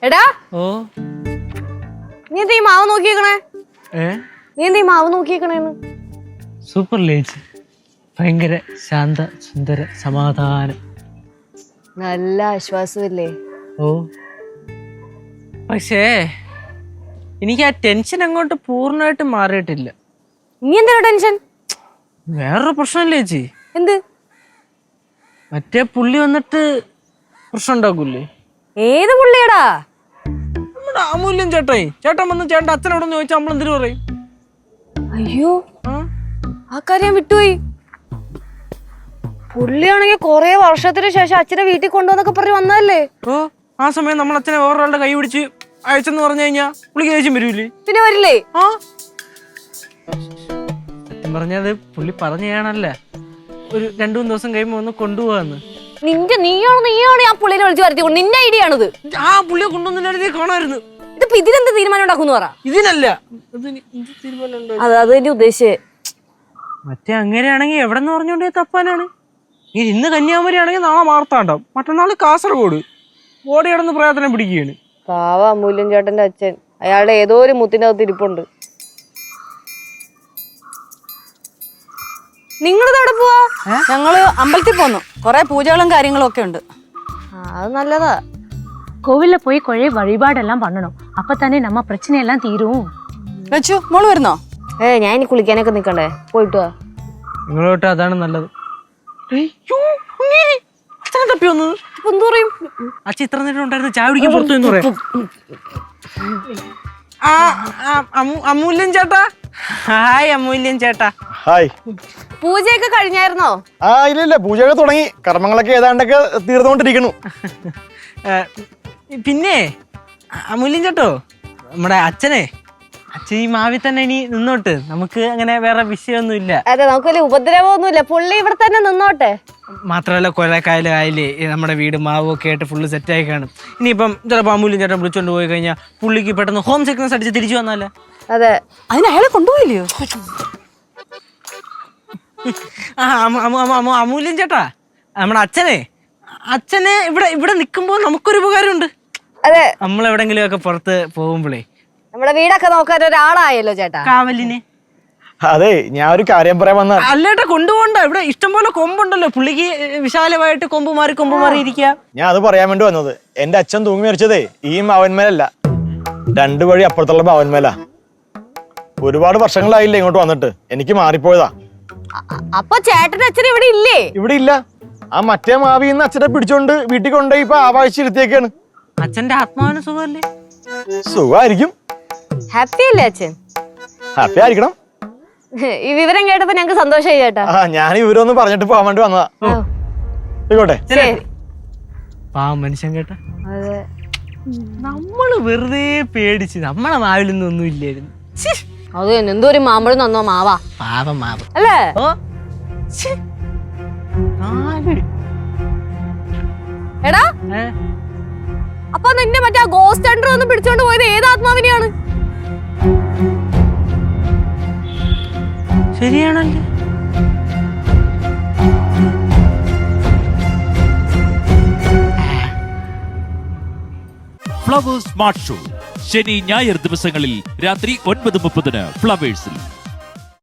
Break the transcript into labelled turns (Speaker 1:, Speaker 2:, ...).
Speaker 1: എടാ
Speaker 2: ഓ
Speaker 1: നീ എന്താ ഈ മാവ് നോക്കിയേക്കണേ? നീ എന്താ ഈ മാവ് നോക്കിയേക്കണേന്ന്?
Speaker 2: സൂപ്പർ ലേച്ച്, ഭയങ്കര ശാന്ത സുന്ദര സമാധാനം.
Speaker 1: നല്ല ആശ്വാസമില്ലേ?
Speaker 2: ഓ പക്ഷേ എനിക്ക് ആ ടെൻഷൻ അങ്ങോട്ട് പൂർണ്ണമായിട്ട് മാറിയിട്ടില്ല.
Speaker 1: നീ എന്താ ടെൻഷൻ?
Speaker 2: വേറൊരു പ്രശ്നമില്ലേ ചേച്ചി?
Speaker 1: എന്ത്?
Speaker 2: മറ്റേ പുള്ളി വന്നിട്ട് പ്രശ്നം ഉണ്ടാക്കൂലേ?
Speaker 1: ഏത് പുള്ളിയടാ?
Speaker 2: നമ്മുടെ അമൂല്യം ചേട്ടായി. ചേട്ടൻ വന്ന് ചേട്ടൻ്റെ അച്ഛനോട് ചോദിച്ചാൽ നമ്മൾ എന്തിനു പറയും?
Speaker 1: അയ്യോ, ആ കാര്യം വിട്ടുപോയി. പുള്ളിയാണെങ്കിൽ കൊറേ വർഷത്തിന് ശേഷം അച്ഛനെ വീട്ടിൽ കൊണ്ടുവന്നൊക്കെ പറഞ്ഞ് വന്നതല്ലേ?
Speaker 2: ഓ ആ സമയം നമ്മൾ അച്ഛനെ വേറൊരാളുടെ കൈ പിടിച്ച് അയച്ചെന്ന് പറഞ്ഞു കഴിഞ്ഞാൽ പുള്ളിക്ക് ദേഷ്യം വരൂലേ?
Speaker 1: പിന്നെ വരില്ലേ?
Speaker 2: ആ സത്യം പറഞ്ഞത് പുള്ളി പറഞ്ഞാണല്ലേ ഒരു 2-3 ദിവസം കഴിയുമ്പോ ഒന്ന് കൊണ്ടുപോകാന്ന്.
Speaker 1: നീയാണ് ആ പുള്ളിനെ വിളിച്ചു വരുത്തിക്കൊണ്ട് നിന്റെ ഐഡിയ ആണത്.
Speaker 2: ആ പുള്ളിയെ കൊണ്ടുവന്നില്ലായിരുന്നേ കാണാമായിരുന്നു.
Speaker 1: ഇതിപ്പോ ഇതിനെന്ത് തീരുമാനം ഉണ്ടാക്കുന്നു പറ.
Speaker 2: ഇതിനല്ല
Speaker 1: അത് തന്നെ ഉദ്ദേശിച്ചേ.
Speaker 2: മറ്റേ അങ്ങനെയാണെങ്കിൽ എവിടെന്ന് പറഞ്ഞോണ്ടേ തപ്പാനാണ്. ഇന്ന് കന്യാകുമാരി ആണെങ്കിൽ നാളെ മാർത്താണ്ടം, മറ്റന്നാൾ കാസർഗോഡ്. ഓടി കിടന്ന് പ്രയത്നം പിടിക്കുകയാണ്.
Speaker 1: പാവ അമൂല്യൻ ചേട്ടന്റെ അച്ഛൻ. അയാളുടെ ഏതോ ഒരു മുത്തിന്റെ അകത്ത് ഇരിപ്പുണ്ട്. നിങ്ങളിതവിടെ പോവാ?
Speaker 3: ഞങ്ങള് അമ്പലത്തിൽ പോന്നു. കൊറേ പൂജകളും കാര്യങ്ങളും ഒക്കെ ഉണ്ട്.
Speaker 1: അത് നല്ലതാ.
Speaker 4: கோவில்ல போய் கொழை வழிபாடெல்லாம் பண்ணணும். அப்பதானே நம்ம பிரச்சனை எல்லாம் தீரும்.
Speaker 3: ലച്ചു മോള് വരുന്നോ?
Speaker 1: ഞാൻ ഇനി കുളിക്കാനൊക്കെ നിക്കണ്ടേ? പോയിട്ട് വാ.
Speaker 2: നിങ്ങളോട്ട് അതാണ് നല്ലത്. അച്ഛനെ തപ്പി വന്നത്
Speaker 1: എന്തു പറയും?
Speaker 2: അച്ഛൻ ഇത്ര നേരം ഉണ്ടായിരുന്നു ചായ കുടിക്കാൻ പുറത്തു എന്ന് പറയാം. അമൂല്യൻ ചേട്ടാ. ഹായ് അമൂല്യൻ ചേട്ടാ.
Speaker 5: ഹായ്.
Speaker 1: പൂജയൊക്കെ കഴിഞ്ഞായിരുന്നോ?
Speaker 5: ഇല്ല, പൂജയൊക്കെ തുടങ്ങി. കർമ്മങ്ങളൊക്കെ ഏതാണ്ടൊക്കെ തീർന്നുകൊണ്ടിരിക്കുന്നു.
Speaker 2: പിന്നെ അമൂല്യൻ ചേട്ടോ, നമ്മുടെ അച്ഛൻ ഈ മാവി തന്നെ ഇനി നിന്നോട്ട്. നമുക്ക് അങ്ങനെ വേറെ വിഷയമൊന്നും ഇല്ല.
Speaker 1: അതെ, നമുക്ക് വലിയ ഉപദ്രവമൊന്നുമില്ല. പുള്ളി ഇവിടെ തന്നെ നിന്നോട്ടെ.
Speaker 2: മാത്രമല്ല കൊലക്കായലായാലേ നമ്മുടെ വീട് മാവും ഒക്കെ ആയിട്ട് ഫുള്ള് സെറ്റായി കാണും. ഇനിയിപ്പം ചിലപ്പോൾ അമൂല്യൻ ചേട്ടൻ വിളിച്ചോണ്ട് പോയി കഴിഞ്ഞാൽ പുള്ളിക്ക് പെട്ടെന്ന് ഹോം സിക്നസ് അടിച്ച് തിരിച്ചു വന്നാലേ.
Speaker 1: അതെ,
Speaker 3: അതിന് അയാളെ കൊണ്ടുപോയില്ലയോ?
Speaker 2: അമൂല്യൻ ചേട്ടാ, നമ്മുടെ അച്ഛനെ ഇവിടെ നിൽക്കുമ്പോൾ നമുക്കൊരു ഉപകാരമുണ്ട്.
Speaker 1: അതെ,
Speaker 2: നമ്മൾ എവിടെങ്കിലും ഒക്കെ പുറത്ത് പോകുമ്പോഴേ
Speaker 1: നമ്മുടെ വീടൊക്കെ നോക്കാൻ ഒരാളായല്ലോ ചേട്ടാ.
Speaker 2: കാവലിന്.
Speaker 5: അതെ, ഞാൻ ഒരു കാര്യം പറയാൻ വന്ന.
Speaker 2: അല്ലേട്ടാ കൊണ്ടുപോകണ്ട. ഇവിടെ ഇഷ്ടംപോലെ കൊമ്പുണ്ടല്ലോ. പുള്ളിക്ക് വിശാലമായിട്ട് കൊമ്പ് മാറി ഇരിക്കുക.
Speaker 5: ഞാൻ അത് പറയാൻ വേണ്ടി വന്നത്. എന്റെ അച്ഛൻ തൂങ്ങി മരിച്ചതേ ഈ മാവന്മേലല്ല, 2 വഴി അപ്പുറത്തുള്ള മാവന്മേലാ. ഒരുപാട് വർഷങ്ങളായില്ലേ ഇങ്ങോട്ട് വന്നിട്ട്. എനിക്ക് മാറിപ്പോയതാ.
Speaker 1: അപ്പൊ ചേട്ടന്റെ അച്ഛൻ ഇവിടെ ഇല്ലേ?
Speaker 5: ഇവിടെ ഇല്ല. ആ മറ്റേ മാവിന്ന് അച്ഛനെ പിടിച്ചോണ്ട് വീട്ടിൽ കൊണ്ടുപോയി ഇപ്പൊ ആവാഴ്ചയിരുത്തിയൊക്കെയാണ്.
Speaker 2: അച്ഛന്റെ ആത്മാവിന് സുഖമല്ലേ?
Speaker 5: സുഖമായിരിക്കും.
Speaker 1: ഹാപ്പി അല്ലേ അച്ഛൻ?
Speaker 5: ഹാപ്പി ആയിരിക്കണം.
Speaker 1: ഈ വിവരം കേട്ടപ്പോ ഞങ്ങക്ക് സന്തോഷമായി ചേട്ടാ.
Speaker 5: ഞാൻ ഇവരൊന്ന് പറഞ്ഞിട്ട് പോകാൻ വേണ്ടി വന്നതാ. ആയിക്കോട്ടെ.
Speaker 2: പാവം മനുഷ്യൻ കേട്ടാ.
Speaker 1: അതെ,
Speaker 2: നമ്മള് വെറുതെ പേടിച്ച് നമ്മളെ മാവിലൊന്നും ഒന്നും ഇല്ലായിരുന്നു.
Speaker 1: അത് തന്നെ. എന്തോ ഒരു മാമ്പഴം തന്നോ മാവാ.
Speaker 2: പാവം മാവ്
Speaker 1: അല്ലേ?
Speaker 2: ഓ
Speaker 1: എടാ, അപ്പൊ നിന്റെ മറ്റേ ഗോസ്റ്റ് ഹണ്ടർ ഒന്ന് പിടിച്ചോണ്ട് പോയത് ഏത് ആത്മാവിനെയാണ്?
Speaker 2: ശരിയാണല്ലേ?
Speaker 6: ഫ്ലവേഴ്സ് സ്മാർട്ട് ഷോ ശനി ഞായർ ദിവസങ്ങളിൽ രാത്രി 9:30 ഫ്ലവേഴ്സിൽ.